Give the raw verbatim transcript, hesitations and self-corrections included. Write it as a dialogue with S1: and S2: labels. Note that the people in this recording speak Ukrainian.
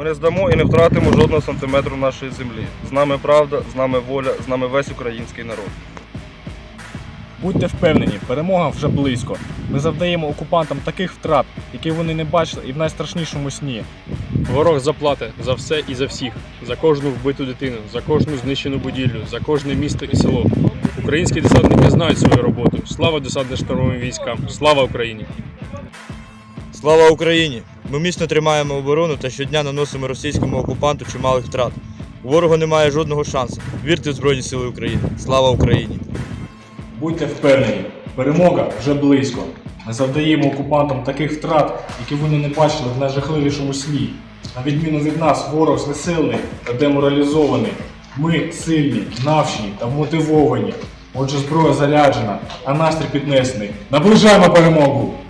S1: не здамо і не втратимо жодного сантиметру нашої землі. З нами правда, з нами воля, з нами весь український народ.
S2: Будьте впевнені, перемога вже близько. Ми завдаємо окупантам таких втрат, які вони не бачили і в найстрашнішому сні.
S3: Ворог заплатить за все і за всіх, за кожну вбиту дитину, за кожну знищену будівлю, за кожне місто і село. Українські десантники знають свою роботу. Слава десантно-штурмовим військам! Слава Україні!
S4: Слава Україні! Ми міцно тримаємо оборону та щодня наносимо російському окупанту чималих втрат. У ворога немає жодного шансу. Вірте в Збройні Сили України. Слава Україні!
S2: Будьте впевнені, перемога вже близько. Ми завдаємо окупантам таких втрат, які вони не бачили в найжахливішому сні. На відміну від нас, ворог знесилений та деморалізований. Ми сильні, навчені та вмотивовані. Отже, зброя заряджена, а настрій піднесений. Наближаємо перемогу!